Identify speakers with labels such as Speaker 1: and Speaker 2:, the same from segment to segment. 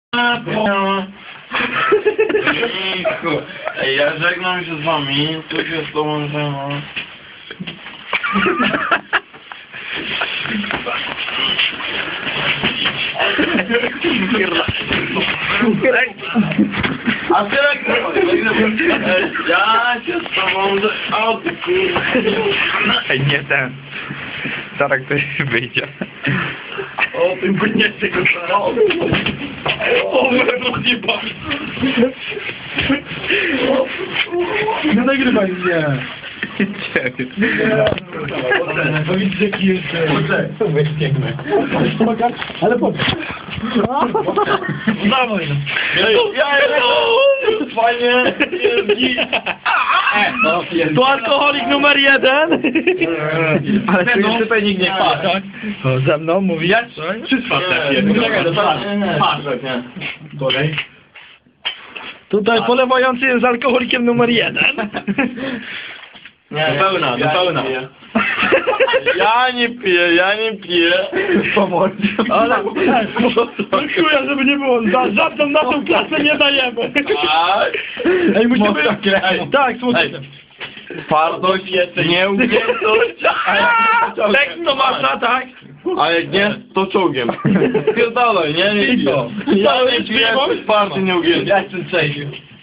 Speaker 1: Ej, ja żegnam się z wami, tu się z tobą żegnam. A ty jak ja się z tobą o ty kurwa.
Speaker 2: Ej, nie ten. Zaraz ktoś wyjdzie.
Speaker 1: O ty nie tego o rozjebał.
Speaker 3: Nie nagrywaj mnie! To widzisz jaki jeszcze... Wyścignę. Ale po co?
Speaker 1: Dawaj. Ja jestem! Fajnie!
Speaker 3: To alkoholik numer 1!
Speaker 2: Ale tu już tutaj nikt nie patrzy.
Speaker 3: Tak?
Speaker 2: To ze mną mówisz?
Speaker 3: Wszystko
Speaker 1: Czekaj, to patrz, nie?
Speaker 3: Kolej.
Speaker 2: Tutaj polewający jest alkoholikiem numer 1.
Speaker 1: Nie, do pełna. Ja nie piję.
Speaker 2: Pomoc.
Speaker 3: Ale... Dziękuję, żeby nie było. Za żadną naszą klasę nie dajemy.
Speaker 1: Tak.
Speaker 3: Ej, musimy...
Speaker 1: Mocno kręć.
Speaker 3: Tak, słuchaj.
Speaker 1: Twardość, nieugiętość.
Speaker 3: Tekst to masza, tak?
Speaker 1: A jak nie, to czołgiem. Pierdolaj, nie
Speaker 3: I
Speaker 1: piję.
Speaker 3: co?
Speaker 1: Ja nie piję, twardy, nieugięty.
Speaker 3: Ja jestem przejdziu.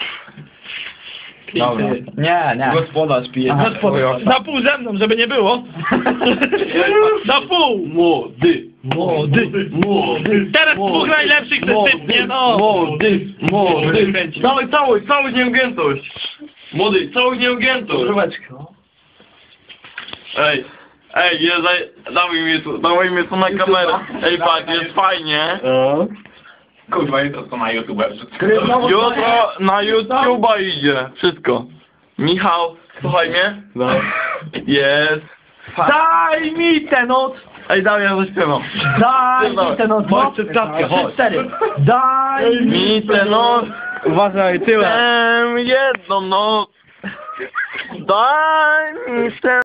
Speaker 2: Dobra. Nie.
Speaker 1: Gospodarz pije.
Speaker 2: Aha.
Speaker 3: Na pół ze mną, żeby nie było. Na pół.
Speaker 1: Młody.
Speaker 3: Teraz dwóch najlepszych zastępnie, no.
Speaker 1: Młody. Całość nieugiętość. Młody, całość nieugiętość. Ej, dawaj mnie tu na kamerę. Ej, patrz, jest fajnie.
Speaker 4: Kurwa, jutro to na YouTube.
Speaker 1: Jutro na YouTube'a idzie. Wszystko. Michał, słuchaj mnie? No. Jest.
Speaker 3: Daj mi tę noc.
Speaker 1: Ej, dawaj, ja zaśpiewam.
Speaker 3: Daj mi tę noc.
Speaker 1: Chodź przed klatkę, chodź.
Speaker 3: 4. Daj
Speaker 1: Mi tę noc.
Speaker 2: Uważaj, tyłem.
Speaker 1: Jedną noc. Daj mi tę